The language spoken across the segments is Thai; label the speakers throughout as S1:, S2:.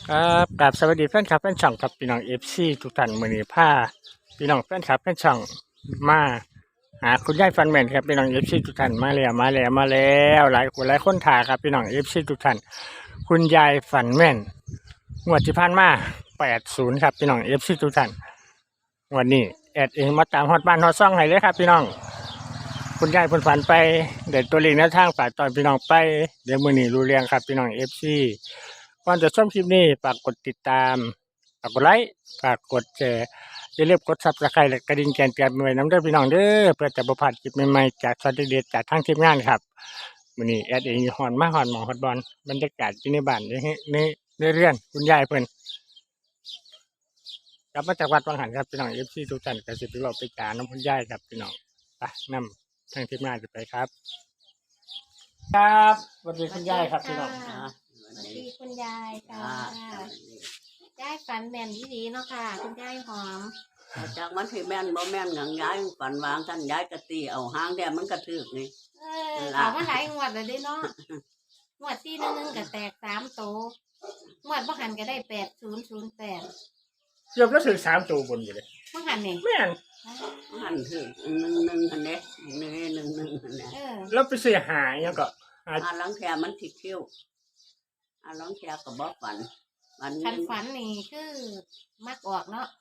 S1: ครับกราบสวัสดีแฟนคลับแฟนช่องครับพี่น้องเอฟซีทุกท่านมื้อนี้พาพี่น้องแฟนคลับแฟนช่องมาหาคุณยายฟันแมนครับพี่น้องเอฟซีทุกท่านมาแล้วหลายคนถ่ายครับพี่น้องเอฟซีทุกท่านคุณยายฟันแมนงวดที่ผ่านมา80ครับพี่น้องเอฟซีทุกท่านวันนี้แอดเองมาตามฮอดบ้านฮอดซ่องให้เลยครับพี่น้องคุณยายเพิ่นฝันไปเด็ดตัวเลขแนวทางฝากตอนพี่น้องไปเดี๋ยวมื้อนี้รู้เรื่องครับพี่น้องเอฟซีก่อนจะชมคลิปนี้ฝากกดติดตามฝากกดไลค์ฝากกดแชร์อย่าลืมกดซับสไครต์และกระดิ่งแจ้งเตือนไว้น้ำเด้อพี่น้องเด้อเพื่อจะบ่พลาดคลิปใหม่ๆจากสวัสดีเด็ดจากทางทีมงานครับมื้อนี้แอดเองอยู่ฮอนหมอฮอดบอลบรรยากาศที่ในบ้านในเรือนคุณยายเพิ่นกลับมาจากวัดวังหันครับพี่น้อง FC ทุกท่านก็สิไปเว้าไปจาน้ำคุณยายครับพี่น้องไปนำทางทีมงานจะไปครับครับสวัสดีคุณยายครับพี่น้อง
S2: สวัสดีคุณยายค่ะยายฝันแม่นดีๆเนาะค่ะคุณยายหอม
S3: จากมันที่แม่นบ่แม่นหยังย้ายฝันวางท่านย้ายกะตีเอาหางแดงมันกระทึกนี่
S2: เอามาหลายงวดแล้วเด้เนาะงวดที่นึงก็แตก3โตงวดบ่หันก็ได้8008
S1: เกือบแล้วถึง3ตัวบนอยู่เลย
S2: บ่หันนี่
S1: แม่น
S3: หันถึงหนึ่งหันเด้หนึ่งหันเด้
S1: แล้วไปเสียหายยังก็
S3: หลังแคมันถิดคิ้วหลังแคก็บ่ฝันมัน
S2: คันฝันนี่คือมักออกเนาะ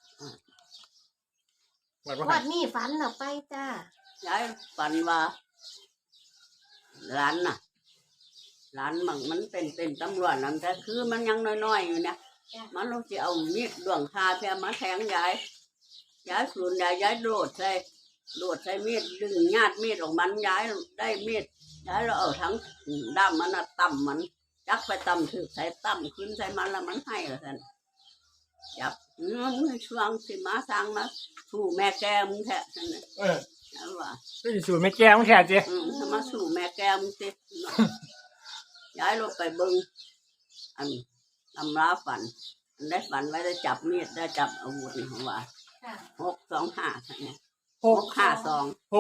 S1: วัดว่า
S2: งวดนี้ฝันออกไปจ้า
S3: ย้ายฝันว่าร้านน่ะร้านมันเป็นตำรวจนั่นแต่คือมันยังน้อยๆอยู่เนี่ยมันลงจะเอามีดดวงคาแทมาแทงย้ายสูนย้ายโดดใส่มีดดึงญาติมีดออกมันย้ายได้มีดย้ายเราเอาทั้งด้ามมันต่ำมันจักไปต่ำถือใส่ต่ำขึ้นใส่มันแล้วมันให้ละท่านจับมึงช่วงสิมาสร้างมาสู่แม่แกมึงแท้ท่านน่ะแล้วว่า
S1: ก็สูตรไม่แก้ไม่แค่จี
S3: ถ้ามาสู่แม่แกมึงสิย้ายลงไปเบิ้งอันตำราฝันได้ฝันไว้ได้จับมีดได้จับอาวุธนี่ของว่า
S2: ค่ะ
S3: 625ท่านเนี่ย
S1: 652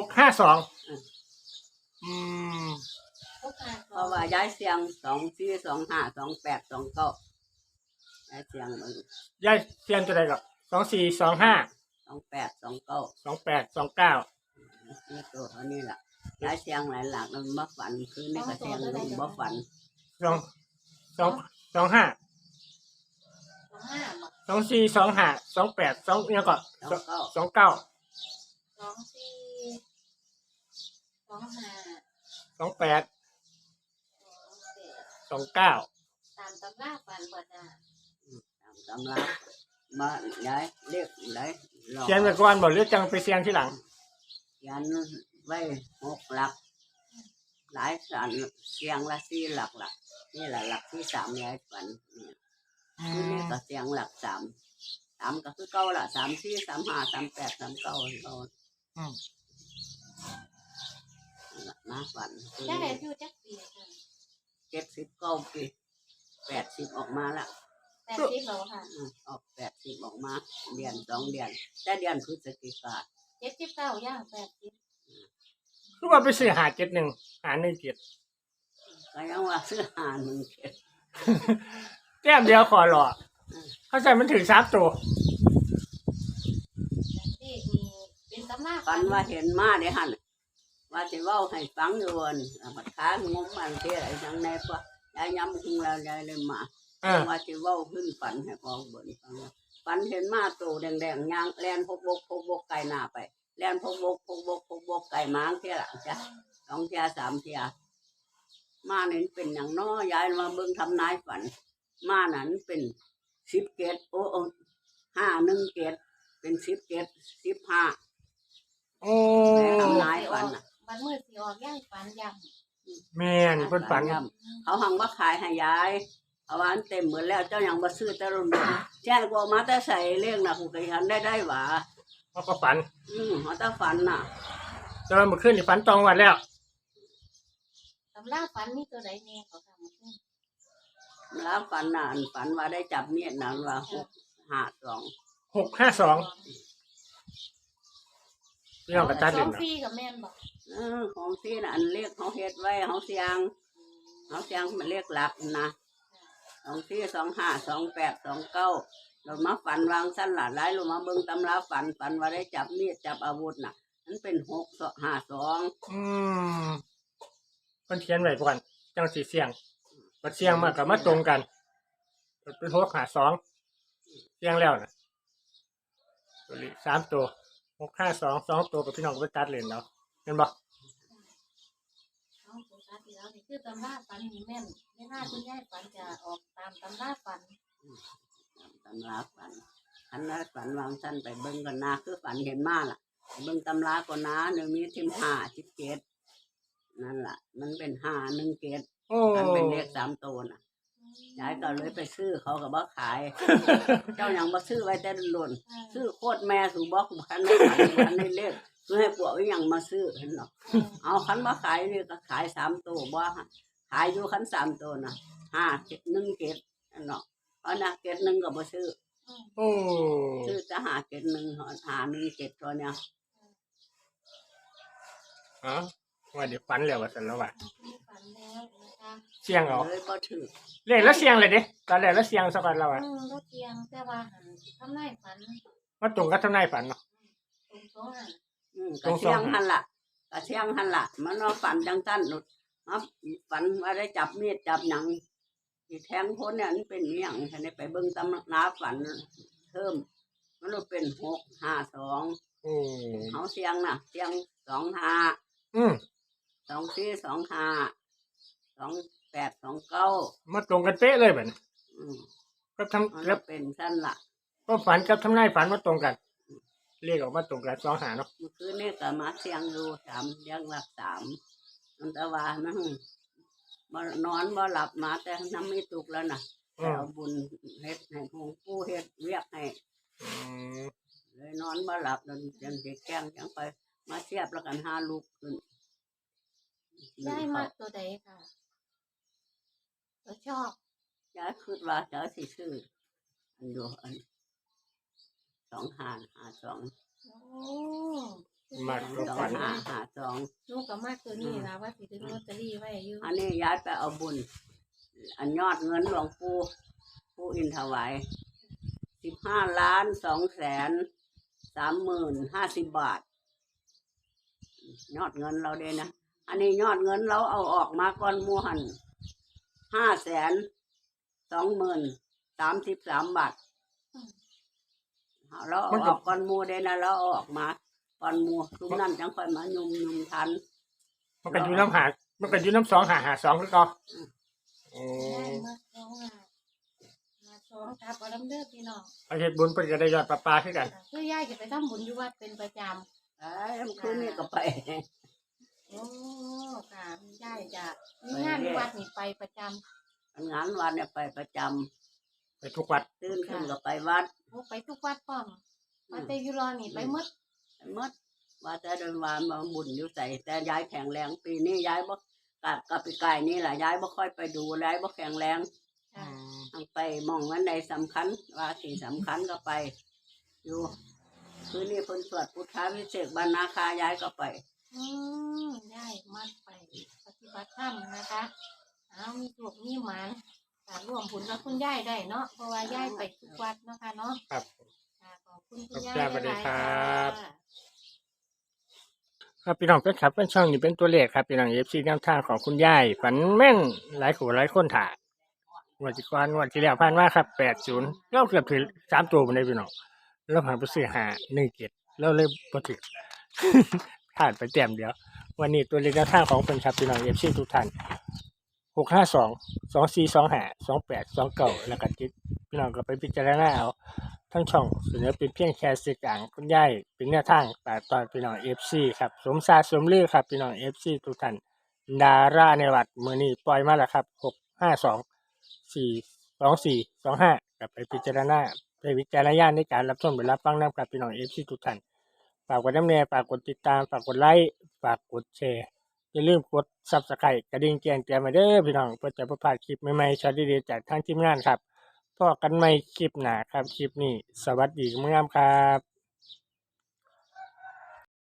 S1: เพ
S3: เพราะว่าย้ายเสียง24252829ย้ายเสียงมึง
S1: ยายเสียนตัวใดกับ2425
S3: 2829
S1: 2829
S3: นี่ตัวเขานี่แหละย้ายเสียงหลายหลักมันบ่ฝันคือนี่ก็เสียงลุงบ่ฝัน
S1: 25
S2: 25บ่
S1: 2425 28ยังก็
S3: 29
S2: 24 25
S1: 28 29
S2: ตามตำราฝันบ่จ้า
S3: ตำรามาย้ายเรียกย้ายหลอก
S1: เขียนไว้ก่อนบ่หรือจังไปเสียงที่หลัง
S3: ยันไว้6 หลักหลายสันเสียงละ4 หลักละนี่แหละหลักที่3ย้ายฝันเนี่ยคือนี่ก็เสียงหลัก3ก็คือเก้าละ3 4 3 5 3 8 3 9เรามาฝัน
S2: ได้อายุจักปีจ้ะ
S3: 79 ปี80ออกมาละ
S2: 80แล้วค่ะ
S3: ออก80ออกมาเดือน2 เดือนแต่เดือนพฤศจิกา
S2: 79ย่าง80
S1: คือว่าไปซื้อ571
S3: ก็ยังว่าซื้อหา1
S1: แก้มเดียวขอหล่อเขาใส่มันถึง3ตัว
S2: นี่มีเป็นตำรา
S3: ฝันว่าเห็นมาได้หั่นว่าสิเว้าให้ฟังอยู่วันบัดค้างงมมันเท่าไอ้จังแน่ปะยายย้ำคุงแล้วยายเลยมาว่าสิเว้าขึ้นฝันให้พองเบิ่นฟังฝันเห็นมาโตแดงๆย่างแล่นพกบกไก่หน้าไปแล่นพกบกไก่ม้างเท่าหลังจ้ะ2 เที่ย 3 เที่ยมานี่เป็นหยังน้อยายมาเบิ่งทำนายฝันมานั้นเป็น10 เกต5 1 เกตเป็น10 เกต15
S1: โอ้
S3: ทำนายฝันน่ะ
S2: บัดมื้อสิออกย่างฝันย่ำ
S1: แม่นเพิ่นฝัน
S3: เขาหังว่าขายให้ยายเอาวานเต็มหมดแล้วเจ้ายังบ่ซื้อแต่รุ่นแจ้งกว่ามาแต่ใส่เลี้ยงน่ะกูก็ยันได้หว่า
S1: เขาก็ฝัน
S3: เขาแต่ฝันน่ะ
S1: แต่ว่าเมื่อคืนนี่ฝันตรงวันแล้ว
S2: ตำราฝันมีตัวใดแน่ก็ทำขึ้น
S3: แล้วฝันน่ะฝันว่าได้จับเมียดน่ะว่า652
S1: 652พี่น้องกระตัด
S2: ส
S1: เล่
S2: อน ง
S1: นะ
S2: ฟรีกับแม่นบอก
S3: ของที่น่ะอันเรียกเขาเฮ็ดไว้เขาเสียงมันเรียกหลักนะ 24 25 28 29เรามาฝันวางสั้นหลาหลายเรามาเบิ่งตำราฝันว่าได้จับมีดจับอาวุธน่ะมันเป็น652
S1: อืมเพิ่นเขียนไว้ก่อนจังสิเสี่ยงบัดเสี่ยงมาก็มาตรงกันเป็น652เสี่ยงแล้วน่ะตัวนี้3ตัว652 2ตัวกับพี่น้องก็ไปตัดเล่นเอาเห็นบ่
S2: เอาโฟกัสที่แล้วนี่คือตำราฝันนี่แม่นไม่น่าคุณยายฝันจะออกตามตำราฝัน
S3: ตำราฝันนั้นฝันวางสั้นไปเบิ่งกันนาคือฝันเห็นมาล่ะไปเบิ่งตำราก่อนนะหนึ่งมี15 17นั่นล่ะ มันเป็น517
S1: โอ้
S3: มันเป็นเลข3ตัวน่ะยายก็เลยไปซื้อเขาก็บ่ขาย เจ้าหยังบ่ซื้อไว้แต่หล่นซื้อโคตรแม่สู่บ่คันในเลขคือให้พวกอีหยังมาซื้อเห็นเนาะเอาคันบ่ขายนี่ก็ขาย3ตัวบ่ขายอยู่คัน3ตัวน่ะ5 7 1 7นั่นเนาะเอานะ7 1ก็บ่ซื้อ
S1: โอ้
S3: ซื้อจะ7 1หา1 7ตัวเนี่ย
S1: อ๋อว่าเดี๋ยวฝันแล้วว่าซั่นแล้วว่า
S2: ฝันแล้วนะคะ
S1: เสี่ยงเอา
S3: เลยบ่ถือ
S1: เลขแล้วเสี่ยงเลยเด้ตอนแรกแล้วเสี่ยงซะก่อนแล้วอ่ะ
S2: รถเตียงแต่ว่าหันทำนายฝัน
S1: มาตรงกับทำนายฝันเนาะ
S2: ตรงโซ่หัน
S3: ก็เสียงหั่นล่ะก็เสียงหั่นล่ะมันว่าฝันจังซั่นหลุดมาฝันว่าได้จับมีดจับหยังสิแทงคนเนี่ยมันเป็นอีหยังฉันได้ไปเบิ่งตำราฝันเพิ่มมันว่าเป็น652
S1: โอ้
S3: เฮาเสียงน่ะเสียง25
S1: อืม
S3: 24 25 28 29
S1: มาตรงกันเป๊ะเลยบัดนี้
S3: อืม
S1: ก็
S3: มัน
S1: แล้ว
S3: เป็นซั่นล่ะ
S1: ก็ฝันกับทำนายฝันมาตรงกันเลขออกมาตรงกัน2หาเนาะ
S3: เมื่อคืนนี้ก็มาเสียงดู3เสียงหลัก3มันแต่ว่ามันบ่นอนบ่หลับมาแต่น้ำไม่ตุกแล้วน่ะแต่เอาบุญเฮ็ดให้หลวงปู่เฮ็ดเวียกให้
S1: อืม
S3: เลยนอนบ่หลับแล้วจังสิแกล้งจังไปมาเสียบแล้วกันหาลูกขึ้น
S2: ได้มากตัวใดค่ะตัวชอบ
S3: ยายคิดว่าจะสิซื้ออันอยู่อัน2552
S2: โอ้
S1: มากก็ฝัน
S3: 2552
S2: ลูกกับมากตัวนี้นะว่าสิถึงลอตเตอรี่ไว้อยู่
S3: อันนี้ยายไปเอาบุญ อันยอดเงินหลวงปู่อินถวาย15,230,50 บาท ยอดเงินเราเด้นะ อันนี้ยอดเงินเราเอาออกมาก่อนหมู่หัน520,033 บาทเราเอาออกก่อนหมู่เด้นะเราเอาออกมาก่อนหมู่ทุกนั้นจังค่อยมายุ่มทัน
S1: มันก็อยู่น้ำหามันก็อยู่น้ำ2หา2คือเก่าโอ้
S2: ได้มาสองครับเอาลำเด้อพี่น้อง
S1: ไปเฮ็ดบุญเพิ่นก็ได้ยอดปลาคือกัน
S2: คือยายจะไปทำบุญอยู่วัดเป็นประจ
S3: เอ้ยมันคืนนี้ก็ไป
S2: ำโอ้ค่ะยายจะมีงานที่วัดนี่ไปประจ
S3: งานวัดเนี่ยไปประจำ
S1: ไปทุกวัด
S3: ตื่นขึ้นก็ไปวัด
S2: ำโอ้ไปทุกวัดพร้อมมาแต่อยุรอนี่ไปหมด
S3: ไปหมดว่าแต่เดินวานมาบุญอยู่ใส่แต่ยายแข็งแรงปีนี้ยายบ่กับปีกายนี่แหละยายบ่ค่อยไปดูยายบ่แข็งแรง
S2: ค่ะ
S3: ต้องไปมองวันใดสำคัญว่าสิ่งสำคัญก็ไป อยู่คืนนี้เพิ่นสวดพุทธาวิเศษกบรรณาคายายก็ไป
S2: ยายมัดไปปฏิบัติธรรมนะคะเอามีถูกมีหมานการร่วมบุญกับคุณยายได้เนาะเพราะว่ายายไปทุกวัดเนาะค่ะเนาะ
S1: ครับ
S2: ค่ะขอบคุณคุณยาย
S1: ขอบคุณครับ
S2: หลายๆ
S1: ครับ
S2: ค่ะ
S1: ครับพี่น้องเป็นครับเป็นช่องนี้เป็นตัวเลขครับพี่น้องFC แนวทางของคุณยายฝันแม่นหลายคนหลายคนถ่ายวันที่ก่อนวันที่แล้วผ่านมาครับ80เราเกือบถึง3ตัวบ่ได้พี่น้องเราผ่านไปซื้อหา17เราเลยบ่ถึง ผ่านไปแต้มเดียว วันนี้ตัวเลขแนวทางของเพิ่นครับพี่น้อง FC ทุกท่าน652 2425 28 29แล้วก็จิตพี่น้องก็ไปพิจารณาเอาทั้งช่องเสนอเป็นเพียงแค่สื่อกลางคุณยายเป็นแนวทางแต่ตอนพี่น้อง FC ครับสมศาสตร์สมลือครับพี่น้อง FC ทุกท่านดาราในวัดมื้อนี้ปล่อยมาแล้วครับ652 42425ก็ไปพิจารณาไปวิจารณญาณในการรับชมหรือรับฟังนำกับพี่น้อง FC ทุกท่านฝากกดน้ำแน่ฝากกดติดตามฝากกดไลค์ฝากกดแชร์อย่าลืมกด Subscribe กระดิ่งแจ้งเตือนมาเด้อพี่น้องเพื่อจะบ่พลาดคลิปใหม่ๆช็อตดีๆจากทางทีมงานครับพบกันใหม่คลิปหน้าครับคลิปนี้สวัสดีงามครับ